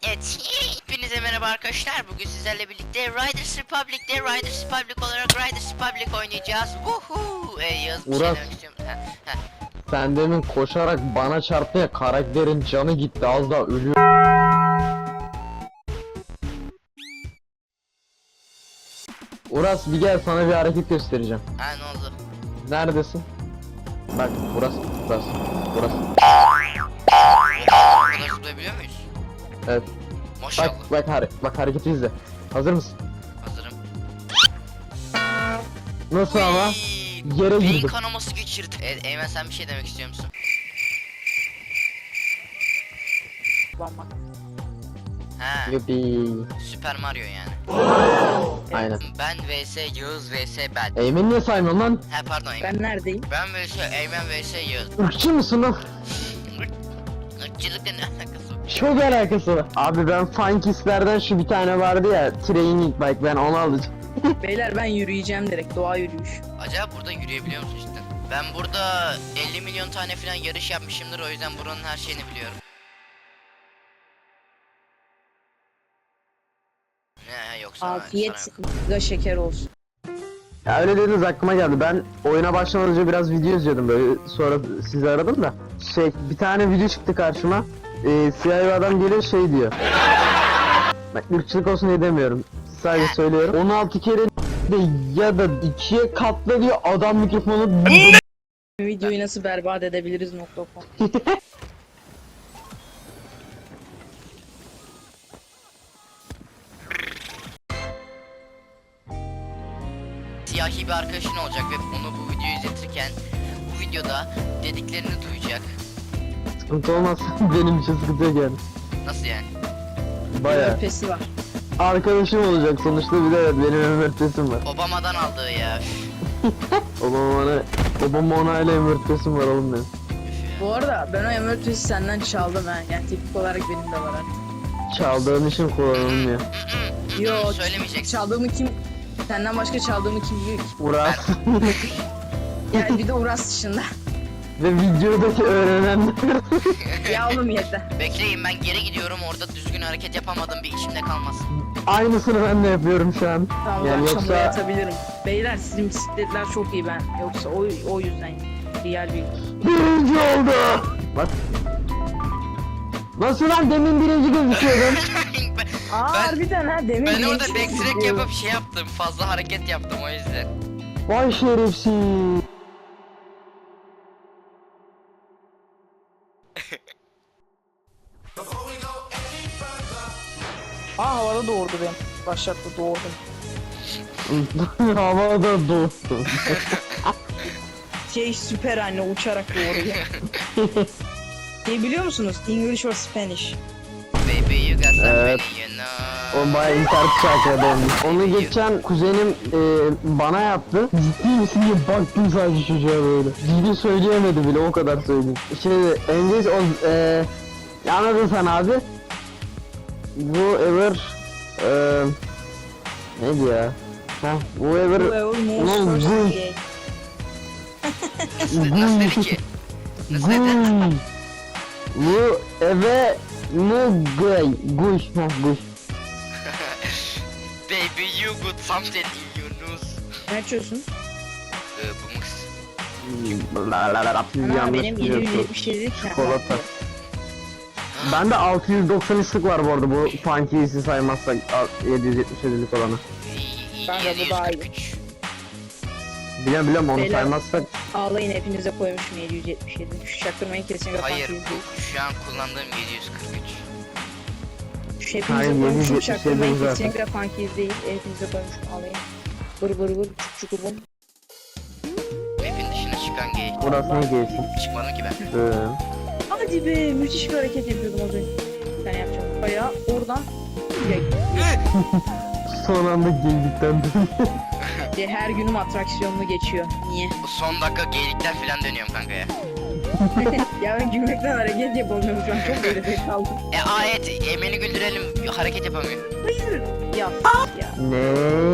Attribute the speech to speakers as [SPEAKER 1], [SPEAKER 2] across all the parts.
[SPEAKER 1] Evet, hepinize merhaba arkadaşlar. Bugün sizlerle birlikte Riders Republic olarak Riders Republic oynayacağız. Woohoo! Yağız bir şey
[SPEAKER 2] Uras.
[SPEAKER 1] demek istiyorum.
[SPEAKER 2] Sen demin koşarak bana çarptı ya, karakterin canı gitti, az daha ölüyor. Uras bir gel, sana bir hareket göstereceğim.
[SPEAKER 1] Ha, ne oldu?
[SPEAKER 2] Neredesin? Bak Uras.
[SPEAKER 1] O kadar zıplayabiliyor muyuz?
[SPEAKER 2] Evet.
[SPEAKER 1] Maşallah.
[SPEAKER 2] Bak hareketi izle. Hazır mısın?
[SPEAKER 1] Hazırım.
[SPEAKER 2] Nasıl ama?
[SPEAKER 1] Uyyy,
[SPEAKER 2] Yere
[SPEAKER 1] beyin
[SPEAKER 2] girdim.
[SPEAKER 1] kanaması geçirdi. Evet, Eymen sen bir şey demek istiyor musun? Ha,
[SPEAKER 2] Yuppie.
[SPEAKER 1] Süper Mario yani.
[SPEAKER 2] Aynen.
[SPEAKER 1] Ben vs Yağız vs ben.
[SPEAKER 2] Eymen'i niye saymıyorsun lan?
[SPEAKER 1] Ha pardon Eymen.
[SPEAKER 3] Ben neredeyim?
[SPEAKER 1] Ben vs Eymen vs Yağız.
[SPEAKER 2] Irkçı mısın lan?
[SPEAKER 1] Irkçılıkla ne alakası var?
[SPEAKER 2] Çok alakası var. Abi ben Funkis'lerden şu bir tane vardı ya, Training Bike, ben onu alacağım.
[SPEAKER 3] Beyler ben yürüyeceğim direkt, doğa yürüyüş.
[SPEAKER 1] Acaba burada yürüyebiliyor musun cidden? Ben burada 50 milyon tane falan yarış yapmışımdır, o yüzden buranın her şeyini biliyorum. Ne yoksa
[SPEAKER 3] Afiyet
[SPEAKER 1] sana yok.
[SPEAKER 3] sıkıntı şeker olsun.
[SPEAKER 2] Ya öyle dediniz, aklıma geldi. Ben oyuna başlamadan önce biraz video izliyordum, böyle sonra sizi aradım da. Bir tane video çıktı karşıma. Siyah bir adam geliyor, şey diyor. Bak, ırkçılık olsun diye demiyorum. Sadece söylüyorum. 16 kere de ya da 2'ye katla diyor, adam mikrofonu.
[SPEAKER 3] Videoyu nasıl berbat edebiliriz .com.
[SPEAKER 1] Siyahi bir arkadaşın olacak ve onu bu videoyu izletirken bu videoda dediklerini duyacak.
[SPEAKER 2] Sıkıntı olmaz. Benim için sıkıntı yok yani.
[SPEAKER 1] Nasıl yani?
[SPEAKER 2] Baya.
[SPEAKER 3] Öpesi var.
[SPEAKER 2] Arkadaşım olacak sonuçta, bir de evet, benim ömürtesim var.
[SPEAKER 1] Obama'dan aldığı ya.
[SPEAKER 2] Obama onayla ömürtesim var oğlum benim.
[SPEAKER 3] Bu arada ben o emertesi senden çaldım ha. Yani teknik olarak benim de var artık.
[SPEAKER 2] Çaldığın için kullanılmıyor.
[SPEAKER 3] Yo,
[SPEAKER 1] Söylemeyeceksin.
[SPEAKER 3] çaldığımı kim... Senden başka çaldığımı kim biliyor ki?
[SPEAKER 2] Uras.
[SPEAKER 3] Yani bir de Uras dışında.
[SPEAKER 2] Ve videodaki öğrenenler.
[SPEAKER 3] Ya oğlum yeter.
[SPEAKER 1] Bekleyin, ben geri gidiyorum, orada düzgün hareket yapamadım, bir içimde kalmasın.
[SPEAKER 2] Aynısını ben de yapıyorum şu an.
[SPEAKER 3] Tamam,
[SPEAKER 2] Yani
[SPEAKER 3] akşam
[SPEAKER 2] yoksa-
[SPEAKER 3] buraya yatabilirim. Beyler sizin bisikletler çok iyi ben. Yoksa o yüzden real bir...
[SPEAKER 2] Birinci oldu. Bak. Nasıl lan, demin birinci gözüküyordun?
[SPEAKER 3] Aa
[SPEAKER 1] Ben-
[SPEAKER 3] harbiden ha demin
[SPEAKER 1] Ben orada
[SPEAKER 3] birinci
[SPEAKER 1] backtrack
[SPEAKER 3] gözüküyor.
[SPEAKER 1] yapıp şey yaptım, fazla hareket yaptım o yüzden.
[SPEAKER 2] Vay şerefsiz.
[SPEAKER 3] Aa havada doğurdu beni. Başlattı doğurdum.
[SPEAKER 2] Havada dostum.
[SPEAKER 3] Süper anne uçarak doğuruyor. Biliyor musunuz? English or Spanish.
[SPEAKER 1] Baby you got something
[SPEAKER 2] Evet.
[SPEAKER 1] you know.
[SPEAKER 2] O bayağı internet şarkıya dönmüş. Onu geçen kuzenim bana yaptı. Ciddi misin diye baktım sadece çocuğa böyle. Ciddi söyleyemedi bile, o kadar söyleyeyim. Şimdi İngiliz anladın sen abi. Whoever neydi ya? Whoever
[SPEAKER 3] Whoever moves
[SPEAKER 2] Ulan
[SPEAKER 3] first
[SPEAKER 2] bu-
[SPEAKER 3] is gay.
[SPEAKER 1] Nasıl dedi ki? Nasıl dedi?
[SPEAKER 2] Bu eve no guy guy.
[SPEAKER 1] Baby you got something in your nose.
[SPEAKER 3] Ne açıyorsun?
[SPEAKER 1] Bu mix.
[SPEAKER 3] Ana
[SPEAKER 2] Yanlış
[SPEAKER 3] benim
[SPEAKER 2] biliyorsun.
[SPEAKER 3] 777
[SPEAKER 2] Çikolata. Bende 693'lük var bu arada, bu Funky'si saymazsak 777'lik olanı.
[SPEAKER 3] Kanka bu daha iyi.
[SPEAKER 1] 743.
[SPEAKER 2] Biliyorum onu
[SPEAKER 3] Beyler.
[SPEAKER 2] saymazsak.
[SPEAKER 3] Ağlayın hepinize koymuşum 777. Şu çaktırmayı kesin kapan.
[SPEAKER 1] Hayır, bu şu an kullandığım 743.
[SPEAKER 3] Şu
[SPEAKER 2] Hayır,
[SPEAKER 3] hepinize koymuşum
[SPEAKER 2] 777
[SPEAKER 3] çaktırmayı
[SPEAKER 2] zaten.
[SPEAKER 3] kesin kapan değil. Hepinize koymuşum ağlayın. Bır bır bır çuk çuk bum.
[SPEAKER 1] Map'in dışına çıkan gay.
[SPEAKER 2] Burası ne gelsin?
[SPEAKER 1] Çıkmadım ki ben.
[SPEAKER 3] Hadi be müthiş bir hareket yapıyordum az önce. Sen yapacaksın. Bayağı oradan
[SPEAKER 2] Son anda geldikten
[SPEAKER 3] her günüm atraksiyonlu geçiyor. Niye?
[SPEAKER 1] Bu son dakika gaylikler falan dönüyorum kanka ya.
[SPEAKER 3] Ya ben gülmekten hareket yapamıyorum şu an çok böyle kaldım.
[SPEAKER 1] Ayet, Eymen'i güldürelim, hareket yapamıyor.
[SPEAKER 3] Ya ya.
[SPEAKER 2] Ne?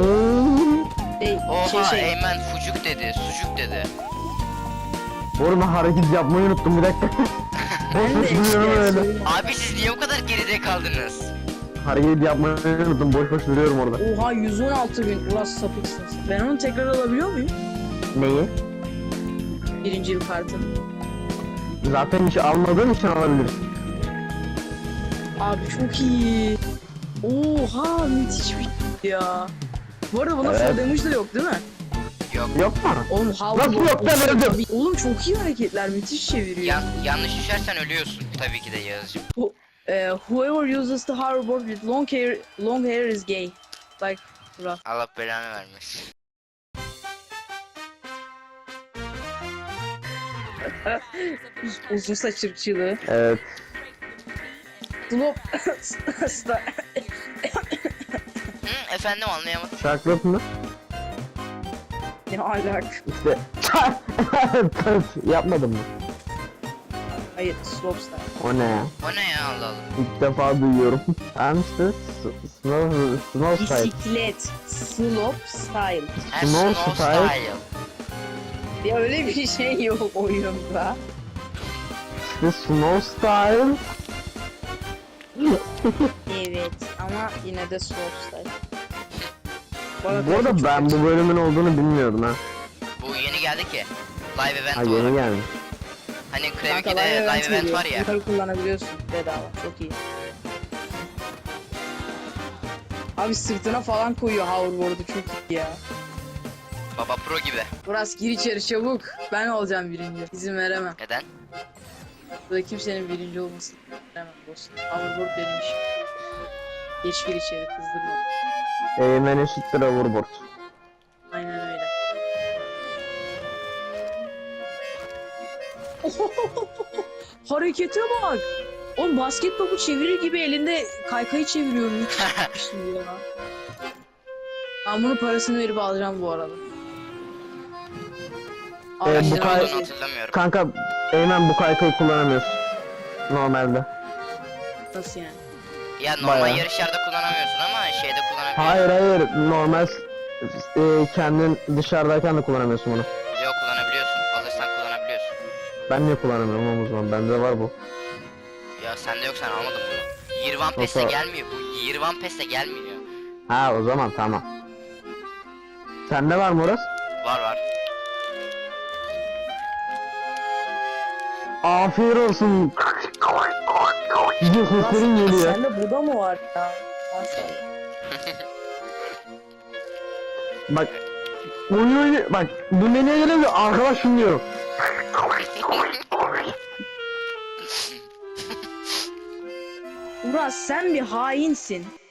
[SPEAKER 1] Oha, Eymen fucuk dedi, sucuk dedi.
[SPEAKER 2] Oğlum ben hareket yapmayı unuttum, bir dakika.
[SPEAKER 3] Ben de
[SPEAKER 2] Boş duyuyorum öyle.
[SPEAKER 3] söyleyeyim.
[SPEAKER 1] Abi siz niye o kadar geride kaldınız?
[SPEAKER 2] Hareket yapmayı unuttum. Boş boş duruyorum orada.
[SPEAKER 3] Oha 116 bin. Ulan sapıksın. Ben onu tekrar alabiliyor muyum?
[SPEAKER 2] Neyi?
[SPEAKER 3] Birinci yıl kartını.
[SPEAKER 2] Zaten hiç almadığın için alabilirsin.
[SPEAKER 3] Abi çok iyi. Oha müthiş bir şey ya. Bu arada buna
[SPEAKER 2] Evet.
[SPEAKER 3] full damage da yok değil mi?
[SPEAKER 1] Yok.
[SPEAKER 2] Yok mu?
[SPEAKER 3] Oğlum
[SPEAKER 2] Nasıl yok, ben öldüm.
[SPEAKER 3] Oğlum çok iyi hareketler, müthiş çeviriyor.
[SPEAKER 1] Yanlış düşersen ölüyorsun. Tabii ki de Yağız'cığım.
[SPEAKER 3] Whoever uses the hoverboard with long hair is gay. Like bra.
[SPEAKER 1] Allah belanı vermesin.
[SPEAKER 3] Uzun saç ırkçılığı.
[SPEAKER 2] Evet.
[SPEAKER 3] Slop.
[SPEAKER 1] Hı, efendim anlayamadım.
[SPEAKER 2] Chocolate mı?
[SPEAKER 3] Ne alak?
[SPEAKER 2] İşte. Yapmadım mı?
[SPEAKER 3] Hayır, slop style.
[SPEAKER 2] O ne ya?
[SPEAKER 1] O ne ya Allah Allah.
[SPEAKER 2] İlk defa duyuyorum. Ben işte snow style.
[SPEAKER 3] Bisiklet. Slop style.
[SPEAKER 1] Ha,
[SPEAKER 2] Snow
[SPEAKER 1] Snow
[SPEAKER 2] Style.
[SPEAKER 1] Style.
[SPEAKER 3] Ya öyle bir şey yok oyunda.
[SPEAKER 2] İşte snow style.
[SPEAKER 3] Evet ama yine de slop style.
[SPEAKER 2] Bu arada ben bu bölümün olduğunu bilmiyordum ha.
[SPEAKER 1] Bu yeni geldi ki. Live event
[SPEAKER 2] Ha yeni
[SPEAKER 1] olarak.
[SPEAKER 2] gelmiş.
[SPEAKER 1] Hani
[SPEAKER 3] Kanka,
[SPEAKER 1] Kreviki'de live event var ya.
[SPEAKER 3] Yukarı kullanabiliyorsun bedava. Çok iyi. Abi sırtına falan koyuyor hoverboard'u, çok iyi ya.
[SPEAKER 1] Baba Pro gibi.
[SPEAKER 3] Buras gir içeri çabuk. Ben olacağım birinci. İzin veremem.
[SPEAKER 1] Neden?
[SPEAKER 3] Burada kimsenin birinci olmasını veremem dostum. Hoverboard benim işim. Geç gir içeri, kızdırma.
[SPEAKER 2] Eğmen eşittir overboard.
[SPEAKER 3] Aynen öyle. Harekete bak. Oğlum basket topu çevirir gibi elinde kaykayı çeviriyor. Müthiş ya. Ben bunun parasını verip alacağım bu arada.
[SPEAKER 2] Bu
[SPEAKER 1] Ne
[SPEAKER 3] Araştırma
[SPEAKER 2] kay-
[SPEAKER 1] olduğunu
[SPEAKER 3] şey.
[SPEAKER 1] hatırlamıyorum.
[SPEAKER 2] Kanka Eymen bu kaykayı kullanamıyorsun. Normalde.
[SPEAKER 3] Nasıl yani?
[SPEAKER 1] Ya normal
[SPEAKER 2] Bayağı.
[SPEAKER 1] yarışlarda kullanamıyorsun ama şeyde kullanabiliyorsun.
[SPEAKER 2] Hayır normal kendin dışarıdayken de kullanamıyorsun bunu.
[SPEAKER 1] Yok kullanabiliyorsun. Alırsan kullanabiliyorsun.
[SPEAKER 2] Ben niye kullanamıyorum ama o zaman bende var bu.
[SPEAKER 1] Ya sende yok, sen almadın bunu. Year One Pass'te
[SPEAKER 2] Yok, o-
[SPEAKER 1] gelmiyor. Bu Year One Pass'te gelmiyor.
[SPEAKER 2] Ha o zaman tamam. Sende var mı orası?
[SPEAKER 1] Var var.
[SPEAKER 2] Afiyet olsun. Gidiyor seslerin geliyor.
[SPEAKER 3] Sende bu da mı var ya? Maşallah.
[SPEAKER 2] Bak. Oyun bak bu menüye gelince arkadaş dinliyorum.
[SPEAKER 3] Uras sen bir hainsin.